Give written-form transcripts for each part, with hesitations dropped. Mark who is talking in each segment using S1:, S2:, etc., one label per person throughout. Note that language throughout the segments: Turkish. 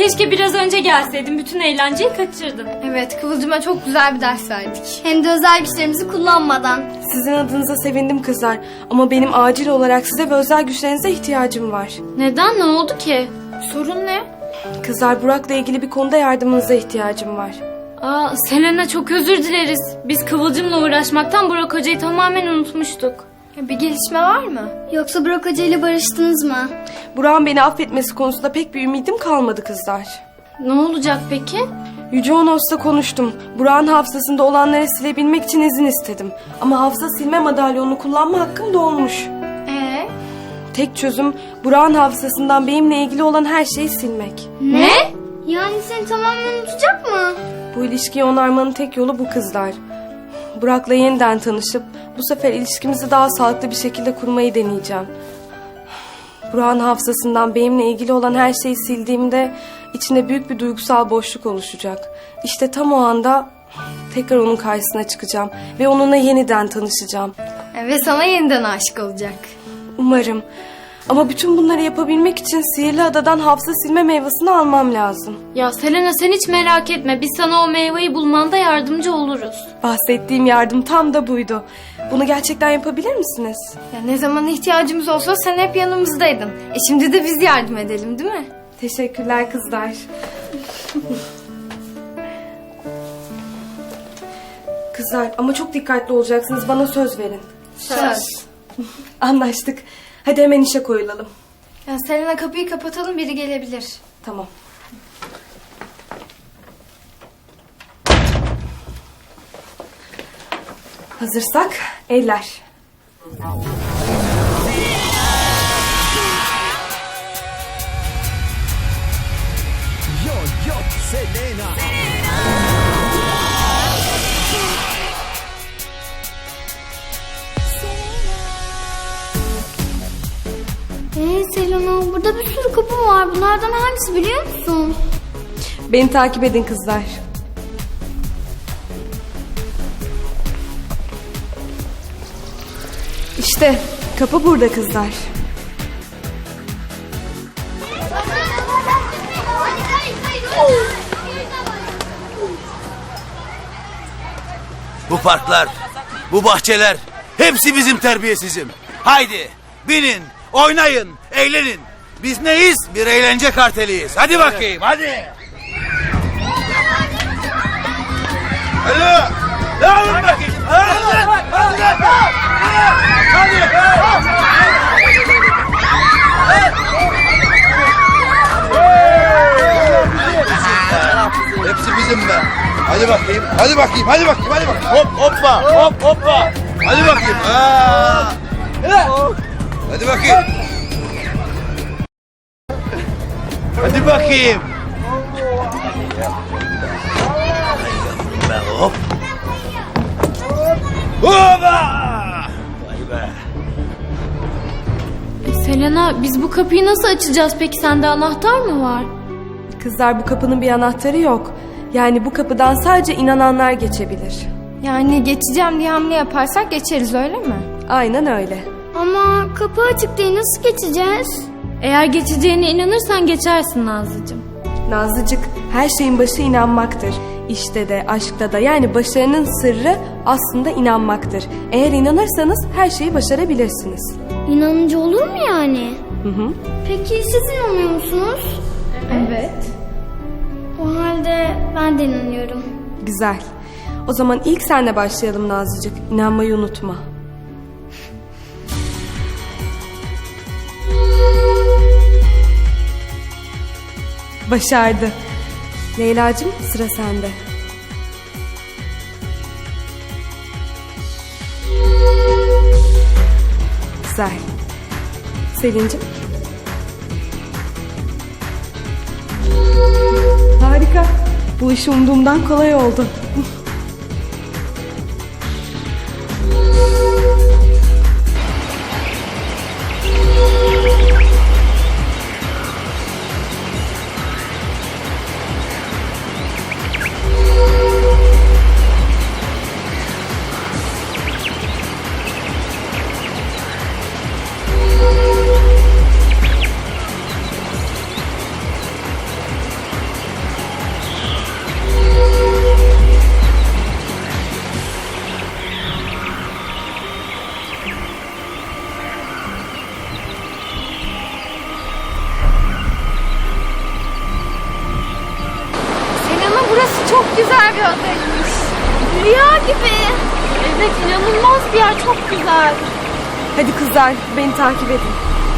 S1: Keşke biraz önce gelseydin. Bütün eğlenceyi kaçırdın.
S2: Evet, Kıvılcım'a çok güzel bir ders verdik. Hem de özel güçlerimizi kullanmadan.
S3: Sizin adınıza sevindim kızlar. Ama benim acil olarak size ve özel güçlerinize ihtiyacım var.
S1: Neden? Ne oldu ki?
S2: Sorun ne?
S3: Kızlar, Burak'la ilgili bir konuda yardımınıza ihtiyacım var.
S1: Aa, Selena, çok özür dileriz. Biz Kıvılcım'la uğraşmaktan Burak Hoca'yı tamamen unutmuştuk.
S2: Bir gelişme var mı? Yoksa Burak Hoca ile barıştınız mı?
S3: Burak'ın beni affetmesi konusunda pek bir ümidim kalmadı kızlar.
S1: Ne olacak peki?
S3: Yüce Onos'la konuştum. Burak'ın hafızasında olanları silebilmek için izin istedim. Ama hafıza silme madalyonunu kullanma hakkım dolmuş. Tek çözüm Burak'ın hafızasından benimle ilgili olan her şeyi silmek.
S1: Ne?
S2: Yani seni tamamen unutacak mı?
S3: Bu ilişkiyi onarmanın tek yolu bu kızlar. Burak'la yeniden tanışıp bu sefer ilişkimizi daha sağlıklı bir şekilde kurmayı deneyeceğim. Burak'ın hafızasından benimle ilgili olan her şeyi sildiğimde içinde büyük bir duygusal boşluk oluşacak. İşte tam o anda tekrar onun karşısına çıkacağım ve onunla yeniden tanışacağım.
S2: Ve sana yeniden aşık olacak.
S3: Umarım. Ama bütün bunları yapabilmek için sihirli adadan hafıza silme meyvesini almam lazım.
S1: Ya Selena, sen hiç merak etme. Biz sana o meyveyi bulmanda yardımcı oluruz.
S3: Bahsettiğim yardım tam da buydu. Bunu gerçekten yapabilir misiniz?
S2: Ya ne zaman ihtiyacımız olsa sen hep yanımızdaydın. Şimdi de biz yardım edelim, değil mi?
S3: Teşekkürler kızlar. Kızlar, ama çok dikkatli olacaksınız. Bana söz verin.
S2: Söz.
S3: Anlaştık. Hadi hemen işe koyulalım.
S2: Ya Selena, kapıyı kapatalım, biri gelebilir.
S3: Tamam. Hazırsak eller.
S4: Yo Selena.
S2: Selena, burada bir sürü kapı var. Bunlardan hangisi biliyor musun?
S3: Beni takip edin kızlar. İşte kapı burada kızlar.
S5: Bu parklar, bu bahçeler hepsi bizim terbiyesizim. Haydi binin, oynayın, eğlenin. Biz neyiz? Bir eğlence karteliyiz. Hadi bakayım, hadi. Hadi. Dağılın bakayım. Hadi. Hepsi bizim be. Hadi bakayım. Hadi bakayım. Hadi bakayım. Hadi bakayım. Hop hoppa. Hop hoppa. Hadi bakayım. Hadi bakayım. Hadi bakayım. Hop. Hoppa. Vay be.
S1: Selena, biz bu kapıyı nasıl açacağız peki? Sende anahtar mı var?
S3: Kızlar, bu kapının bir anahtarı yok. Yani bu kapıdan sadece inananlar geçebilir.
S2: Yani geçeceğim diye hamle yaparsak geçeriz, öyle mi?
S3: Aynen öyle.
S2: Ama kapı açık değil, nasıl geçeceğiz?
S1: Eğer geçeceğine inanırsan geçersin Nazlıcığım.
S3: Nazlıcık, her şeyin başı inanmaktır. İşte de, aşkta da, yani başarının sırrı aslında inanmaktır. Eğer inanırsanız her şeyi başarabilirsiniz.
S6: İnanınca olur mu yani?
S3: Hı.
S6: Peki siz inanıyor musunuz?
S2: Evet.
S6: O halde ben de inanıyorum.
S3: Güzel. O zaman ilk senle başlayalım Nazlıcık. İnanmayı unutma. Başardı. Leyla'cığım, sıra sende. Güzel. Selin'cim. Harika. Bu iş umduğumdan kolay oldu.
S2: güzel bir adaymış. Rüya gibi.
S1: Evet, inanılmaz bir yer, çok güzel.
S3: Hadi kızlar, beni takip edin.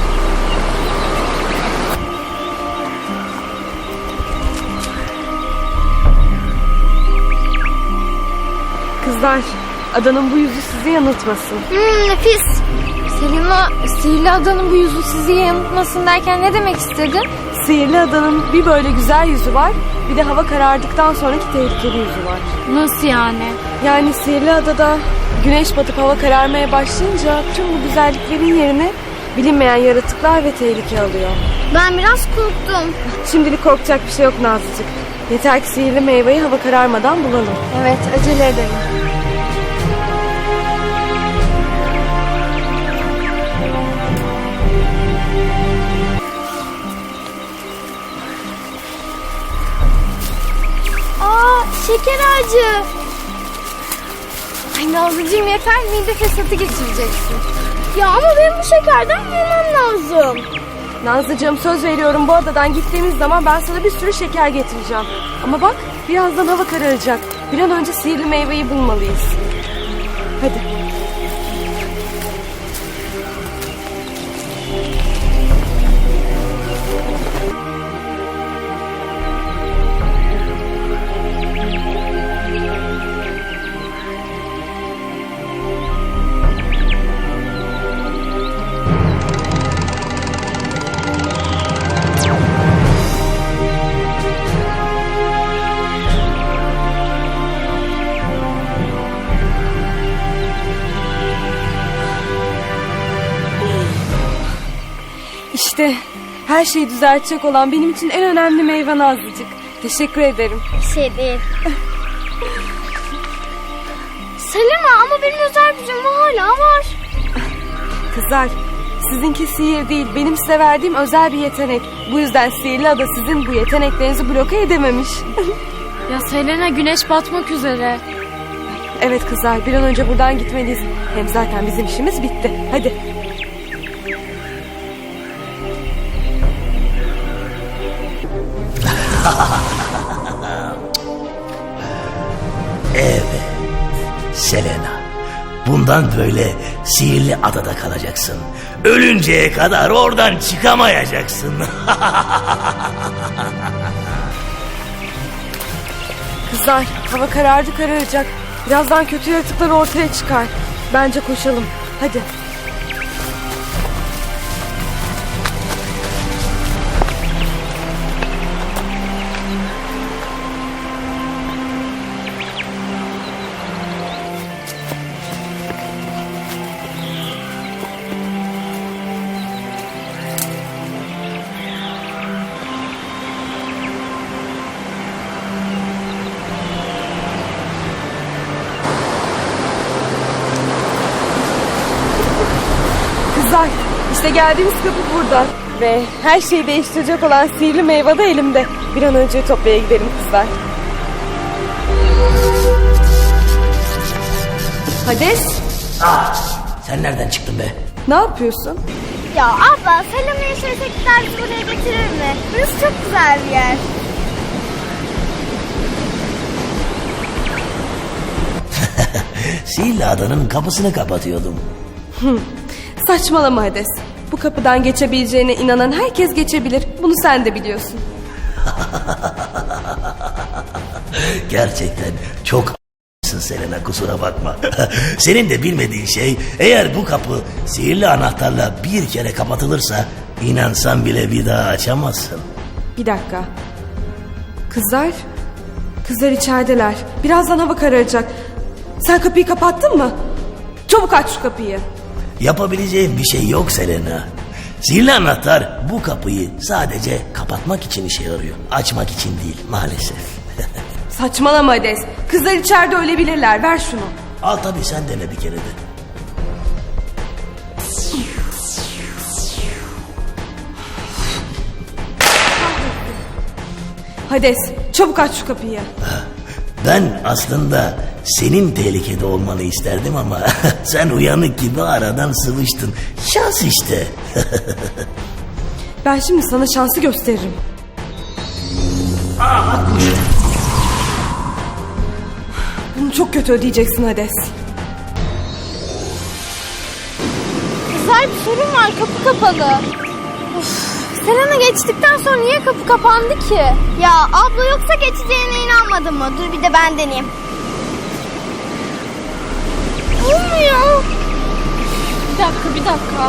S3: Kızlar, adanın bu yüzü sizi yanıltmasın.
S2: Nefis. Selena, sihirli adanın bu yüzü sizi yanıltmasın derken ne demek istedin?
S3: Sihirli adanın bir böyle güzel yüzü var, bir de hava karardıktan sonraki tehlikeli yüzü var.
S1: Nasıl yani?
S3: Yani sihirli adada güneş batıp hava kararmaya başlayınca tüm bu güzelliklerin yerine bilinmeyen yaratıklar ve tehlike alıyor.
S2: Ben biraz korktum.
S3: Şimdilik korkacak bir şey yok Nazlıcık. Yeter ki sihirli meyveyi hava kararmadan bulalım.
S2: Evet, acele edelim. Aa, şeker ağacı. Ay Nazlıcığım yeter, mide fesatı geçireceksin. Ya ama benim bu şekerden yemem lazım.
S3: Nazlıcığım söz veriyorum, bu adadan gittiğimiz zaman ben sana bir sürü şeker getireceğim. Ama bak, birazdan hava kararacak. Bir an önce sihirli meyveyi bulmalıyız. Hadi. İşte her şeyi düzeltecek olan benim için en önemli meyve Nazlıcık. Teşekkür ederim.
S2: Şey değil. Selena ama benim özel gücüm hala var.
S3: Kızlar, sizinki sihir değil, benim size verdiğim özel bir yetenek. Bu yüzden sihirli ada sizin bu yeteneklerinizi bloke edememiş.
S1: Ya Selena, güneş batmak üzere.
S3: Evet kızlar, bir an önce buradan gitmeliyiz. Hem zaten bizim işimiz bitti. Hadi.
S4: Evet, Selena. Bundan böyle sihirli adada kalacaksın. Ölünceye kadar oradan çıkamayacaksın.
S3: Kızlar, hava karardı kararacak. Birazdan kötü yaratıklar ortaya çıkar. Bence koşalım. Hadi. Kızlar, işte geldiğimiz kapı burada. Ve her şeyi değiştirecek olan sihirli meyve de elimde. Bir an önce Ütopya'ya gidelim kızlar. Hades,
S4: Sen nereden çıktın be?
S3: ne yapıyorsun?
S2: Ya abla Selena'yı şirketler bizi buraya getirir mi? Burası çok güzel bir yer.
S4: Sihirli adanın kapısını kapatıyordum.
S3: Saçmalama Hades. Bu kapıdan geçebileceğine inanan herkes geçebilir. Bunu sen de biliyorsun.
S4: Gerçekten çok Selena, kusura bakma. Senin de bilmediğin şey, eğer bu kapı sihirli anahtarla bir kere kapatılırsa inansan bile bir daha açamazsın.
S3: Bir dakika. Kızlar? Kızlar içerideler. Birazdan hava kararacak. Sen kapıyı kapattın mı? Çabuk aç şu kapıyı.
S4: Yapabileceğin bir şey yok Selena. Sihirli anahtar bu kapıyı sadece kapatmak için işe yarıyor. Açmak için değil maalesef.
S3: Saçmalama Hades. Kızlar içeride ölebilirler. Ver şunu.
S4: Al tabii, sen dene bir kere de.
S3: Hades, çabuk aç şu kapıyı.
S4: Ben aslında senin tehlikede olmanı isterdim ama sen uyanık gibi aradan sıvıştın. Şans işte.
S3: Ben şimdi sana şansı gösteririm. çok kötü ödeyeceksin Hades.
S2: Kızlar bir sorun var, kapı kapalı. Of, Selena geçtikten sonra niye kapı kapandı ki?
S6: Ya abla yoksa geçeceğine inanmadın mı? Dur bir de ben deneyeyim.
S2: Olmuyor. Bir dakika.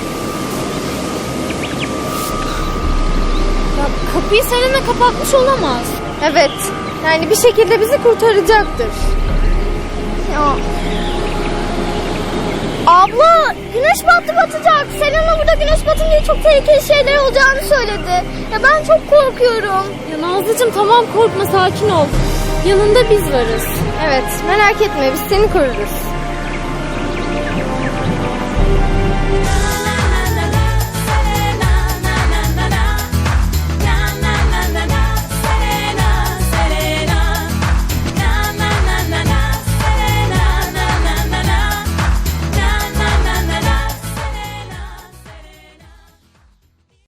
S1: Ya kapıyı Selena kapatmış olamaz.
S2: Evet, yani bir şekilde bizi kurtaracaktır.
S6: Ya. Abla güneş batacak. Selena burada güneş batınca çok tehlikeli şeyler olacağını söyledi. Ya ben çok korkuyorum.
S1: Ya Nazlıcığım tamam korkma sakin ol. Yanında biz varız.
S2: Evet, merak etme, biz seni koruruz.